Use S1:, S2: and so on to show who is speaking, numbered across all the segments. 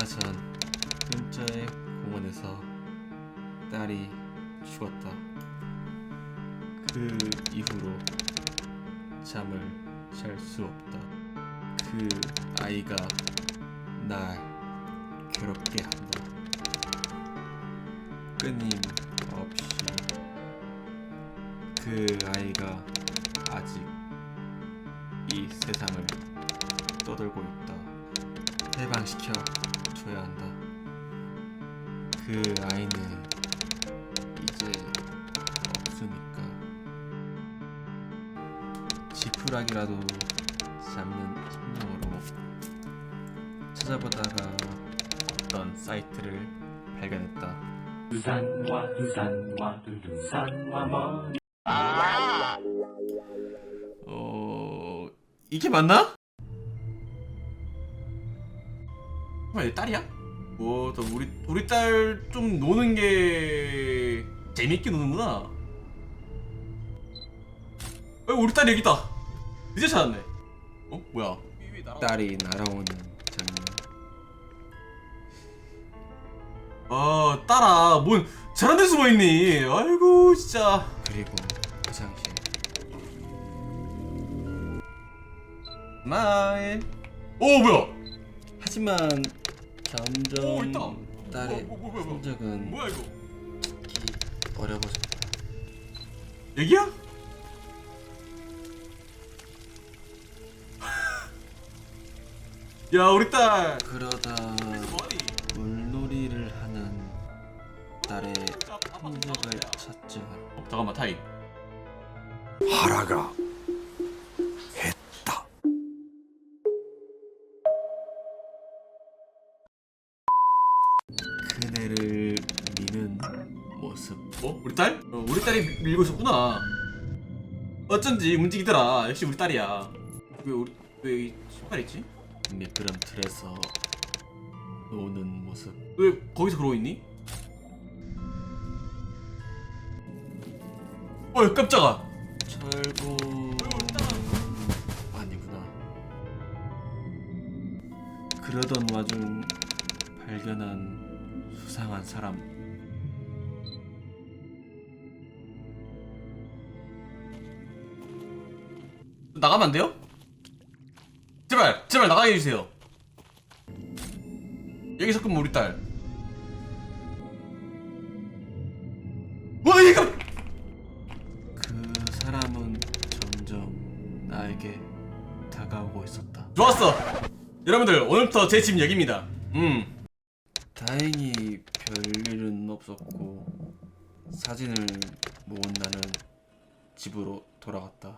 S1: 얼마 전 근처의 공원에서 딸이 죽었다. 그 이후로 잠을 잘 수 없다. 그 아이가 날 괴롭게 한다. 끊임없이. 그 아이가 아직 이 세상을 떠돌고 있다. 해방시켜 줘야 한다. 그 아이는 이제 없으니까. 지푸라기라도 잡는 심정으로 찾아보다가 어떤 사이트를 발견했다. 이게 맞나? 정말 딸이야? 또 우리 딸 좀 노는 게 재밌게 노는구나. 우리 딸이 여기 있다. 이제 찾았네. 뭐야? 딸이 날아오는 장면. 딸아, 뭔 저런 데 숨어 있니? 아이고 진짜. 그리고 화장실. 마일. 뭐야? 하지만 점점 딸의 흔적은
S2: 뭐야 이거?
S1: 찾기 어려워졌다.
S2: 여기야? 야, 우리 딸.
S1: 그러다 물놀이를 하는 딸의 흔적을 찾자.
S2: 잠깐만, 타임.
S3: 하라가 했다.
S1: 그네를 미는 모습.
S2: 우리 딸? 우리 딸이 밀고 있었구나. 어쩐지 움직이더라. 역시 우리 딸이야. 왜 여기 신발 있지?
S1: 미끄럼틀에서 노는 모습.
S2: 왜 거기서 그러고 있니? 깜짝아.
S1: 철구 아니구나. 그러던 와중 발견한 수상한 사람.
S2: 나가면 안 돼요? 제발 나가게 해주세요. 여기서 끄면 우리 딸. 이거!
S1: 그 사람은 점점 나에게 다가오고 있었다.
S2: 좋았어. 여러분들, 오늘부터 제 집 여기입니다.
S1: 다행히 별일은 없었고 사진을 모은 나는 집으로 돌아갔다.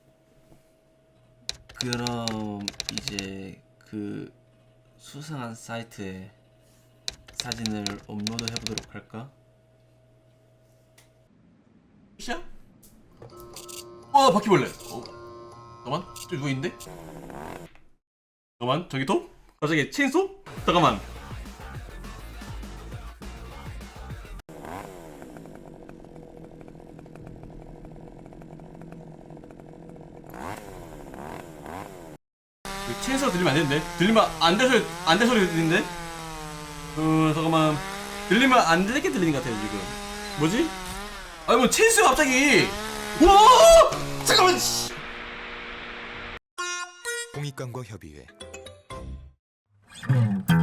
S1: 그럼 이제 그 수상한 사이트에 사진을 업로드 해보도록 할까?
S2: 끝이야? 바퀴벌레. 잠깐만, 저기 누구있는데? 잠깐만, 저기 또? 갑자기 체인소? 잠깐만. 체인소가 들리면 안 되는데? 들리면 안 될 소리 들리는데? 잠깐만. 들리면 안 되게 들리는 것 같아요, 지금. 뭐지? 뭐 체인소가 갑자기! 우와! 잠깐만!
S3: 공익광고 협의회.